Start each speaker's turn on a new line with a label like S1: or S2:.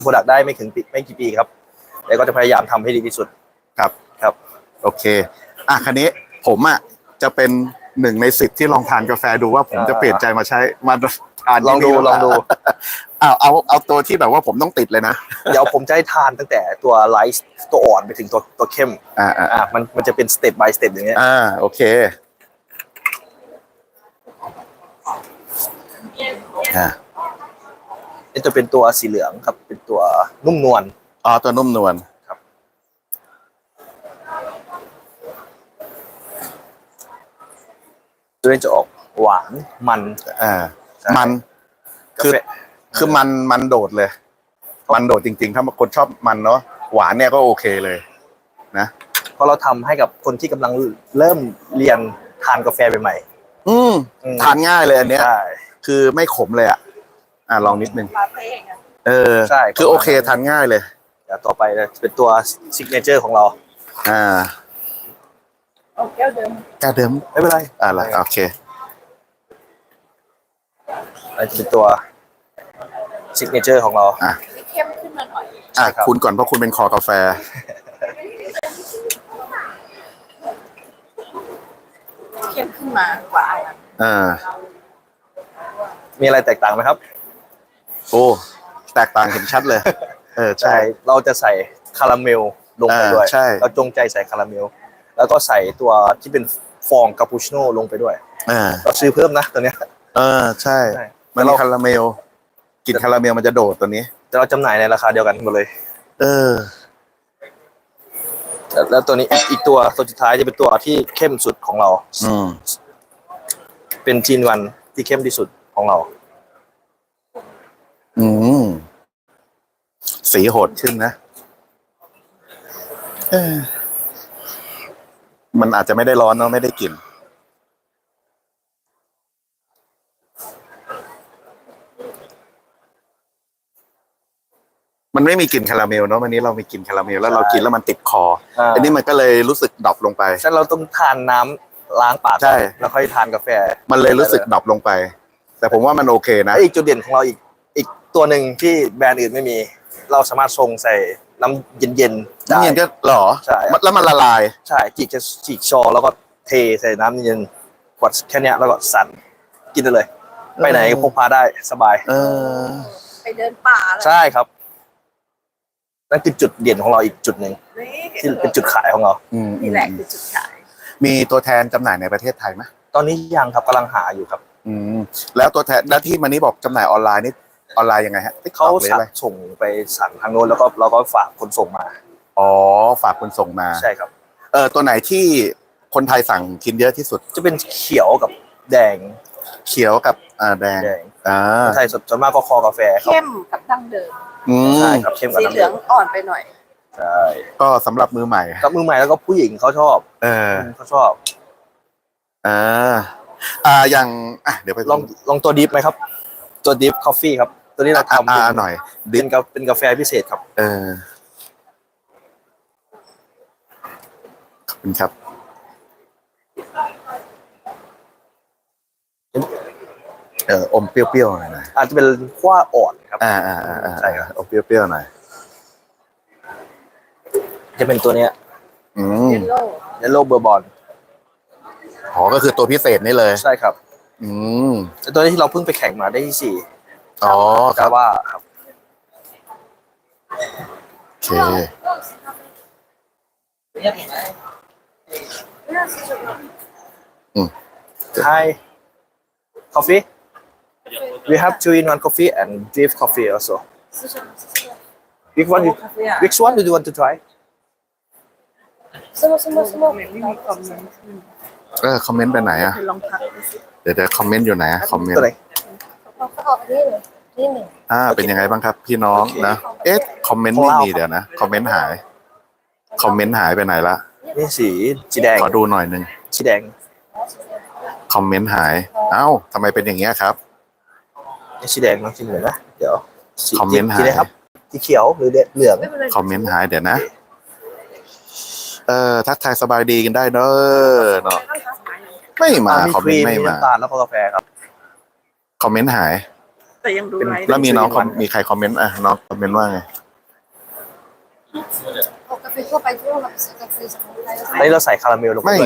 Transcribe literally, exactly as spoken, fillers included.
S1: โปรดักต์ได้ไม่ถึงปีไม่กี่ปีครับแต่ก็จะพยายามทำให้ดีที่สุด
S2: ครับ
S1: ครับ
S2: โอเคอ่ะคันนี้ผมอ่ะจะเป็นหนึ่งในสิบที่ลองทานกาแฟดูว่าผมจะเปลี่ยนใจมาใช้มาทาน
S1: ลอง
S2: ที่
S1: ดู
S2: นี่หรือ
S1: ล
S2: เป
S1: อง
S2: ล่า
S1: ดู
S2: เอาเอาเอาตัวที่แบบว่าผมต้องติดเลยนะ
S1: เดี๋ยวผมจะให้ทานตั้งแต่ตัวไลท์ตัวอ่อนไปถึงตัวตัวเข้ม
S2: อ่าอ่า
S1: อ่ามันมันจะเป็นสเต็ป by สเต็ปอย่างเงี้ย
S2: อ่าโอเคอ่า
S1: นี่จะเป็นตัวสีเหลืองครับเป็นตัวนุ่มนวล
S2: อ๋อตัวนุ่มนวล
S1: ครับตัวนี้จะออกหวานมัน
S2: อ่ามันคือคือมันมันโดดเลยมันโดดจริงๆถ้าคนชอบมันเนาะหวานเนี่ยก็โอเคเลยนะ
S1: เพราะเราทำให้กับคนที่กำลังเริ่มเรียนทานกาแฟใหม่
S2: ๆอืมทานง่ายเลยอันเนี้ย
S1: ใช่
S2: คือไม่ขมเลยอ่ะอ่าลองนิดนึงเออ
S1: ใช่
S2: คือโอเคทานง่ายเลย
S1: เดี๋ยวต่อไปเป็นตัวซิกเนเจอร์ของเรา
S2: อ่า
S3: แก้วเดิม
S2: แก้วเดิม
S1: ไม่เป็นไร
S2: อะไรโอเค
S1: อันนี้เป็นตัวซิกเนเจอร์ของเรา
S2: อ่ะ
S3: เข้มขึ้นมาหน่อย
S2: อ่ะคุณก่อนเพราะคุณเป็นคอกาแฟ
S3: เข้มขึ้นมากว่าอันนั้น
S2: อ่า
S1: มีอะไรแตกต่างไหมครับ
S2: โอ้แตกต่างเห็นชัดเลยเออใช่
S1: เราจะใส่คาราเมลลงไปด้วย
S2: ใช่
S1: เราจงใจใส่คาราเมลแล้วก็ใส่ตัวที่เป็นฟองคาปูชิโน่ลงไปด้วย
S2: อ่า
S1: เราซื้อเพิ่มนะตัวเนี้ย
S2: เออใช่มันคาราเมลกลิ่นคาราเมลมันจะโดดตัวนี้
S1: แต่เราจำหน่ายในราคาเดียวกันหมดเลย
S2: เออ
S1: แล้วตัวนี้อีกตัวตัวสุดท้ายจะเป็นตัวที่เข้มสุดของเรา
S2: อืม
S1: เป็นจีนวันที่เข้มที่สุดของเรา
S2: อืมสีโหดขึ้นนะเออมันอาจจะไม่ได้ร้อนเนาะไม่ได้กลิ่นมันไม่มีกลิ่นคาราเมลเนาะวันนี้เรามีกลิ่นคาราเมลแล้วเรากินแล้วมันติดคออันนี้มันก็เลยรู้สึกดรอปลงไป
S1: ฉะนั้นเราต้องทานน้ำล้างปาก
S2: ใช่
S1: แล้วค่อยทานกาแฟ
S2: มันเลยรู้สึกดรอปลงไปแต่ผมว่ามันโอเคนะ
S1: อีกจุดเด่นของเราอีกอีกตัวหนึ่งที่แบรนด์อื่นไม่มีเราสามารถชงใส่น้ำเย็นๆได้
S2: น้ำเย็นก็หรอ
S1: ใช่
S2: แล้วมันละลาย
S1: ใช่จีกจะจีกชอแล้วก็เทใส่น้ำเย็นขวดแค่นี้แล้วก็สั่นกินได้เลยไปไหนพกพาได้สบาย
S2: เออ
S3: ไปเดินป่า
S1: ใช่ครับนั่นคือจุดเด่นของเราอีกจุดหนึ่งที่เป็นจุดขายของเรา
S3: นี่แหละคือจุดขาย
S2: มีตัวแทนจำหน่ายในประเทศไทยไหม
S1: ตอนนี้ยังครับกำลังหาอยู่ครับ
S2: อืมแล้วตัวแทนหน้าที่มันนี้บอกจำหน่ายออนไลน์นี่ออนไลน์ยังไงฮะ
S1: เขาสั่งส่งไปสั่งทางโน้นแล้วก็เราก็ฝากคนส่งมา
S2: อ๋อฝากคนส่งมา
S1: ใช่ครับ
S2: เออตัวไหนที่คนไทยสั่งกินเยอะที่สุด
S1: จะเป็นเขียวกับแดง
S2: เขียวกับอ่าแดงอ่า
S1: ไทยส่วนมากก็คอกาแฟ
S3: เข้มกับดั้งเดิม
S2: อืม
S1: ใช่ครับเข้มกับ
S3: สีเหลืองอ่อนไปหน่อย
S1: ใช่
S2: ก็สำหรับมือใหม่
S1: กับมือใหม่แล้วก็ผู้หญิงเขาชอบ
S2: เออ
S1: เขาชอบ
S2: อ่าอ่าอย่างอ่ะเดี๋ยวไป
S1: ลองลองตัวดิฟไหมครับตัวดิฟคอฟฟี่ครับตัวนี้เราทำ
S2: อ่าหน่อย
S1: เป็นกาเป็นกาแฟพิเศษครับ
S2: เออขอบคุณครับเอออมเปรี้ยวๆหน่อยนะ
S1: อาจจะเป็นขั้วอ่อนครับ
S2: อ่าอ่าอ่า
S1: ใช่ครับ
S2: อมเปรี้ยวๆหน่อย
S1: จะเป็นตัวเนี้ย
S2: อืม
S3: เยลโล่
S1: เยลโล่เบอร์บอน
S2: อ๋อก็คือตัวพิเศษนี่เลย
S1: ใช่ครับ
S2: อืม
S1: แต่ตัวนี้ที่เราเพิ่งไปแข่งมาได้ที่สี่
S2: อ๋อครับ
S1: ว่าครับ
S2: โอเคอืม
S1: Hi coffee we have two in one coffee and drip coffee also which one you which one do you want to try
S3: สมมติสมมติสมมติไม่มีคอมเมนต์
S2: เออคอมเมนต์ไปไหนอ่ะ
S3: ลองทักดูสิ
S2: เดี๋ยวเดี๋ยวคอมเมนต์อยู่ไหนอะคอมเมนต์
S3: เขาออกนี่เลยนี่หนึ่ง
S2: อ่าเป็นยังไงบ้างครับพี่น้องนะเอ๊ะคอมเมนต์ไม่มีเดี๋ยวนะคอมเมนต์หายคอมเมนต์หายไปไหนละ
S1: นี่สีสีแดง
S2: ขอดูหน่อยนึง
S1: สีแดง
S2: คอมเมนต์หายเอ้าทำไมเป็นอย่างเงี้ยครับ
S1: นี่สีแดงน้องสีเหลืองนะเดี๋ยว
S2: คอมเมนต์หาย
S1: ครับสีเขียวหรือเหลือง
S2: คอมเมนต์หายเดี๋ยวนะเออทักทายสบายดีกันได้เนอะเนาะไม่มาคอมเมนต์ไม่มา
S1: ตาลแล้วก็กาแฟครับ
S2: คอมเมนต์หาย
S3: แต่ยังดู
S1: เป็น
S3: ไลฟ์
S2: แล้วมีน้อง
S1: เป็น
S2: มีใครคอมเมนต์อ่ะน้องคอมเมนต์ว่าไง
S3: เอากาแฟทั่วไปที่เราแบบซื้อกาแฟจากคนไทย
S1: อันนี้เราใส่คาราเมลลงไป
S2: ไม่
S1: ด้วย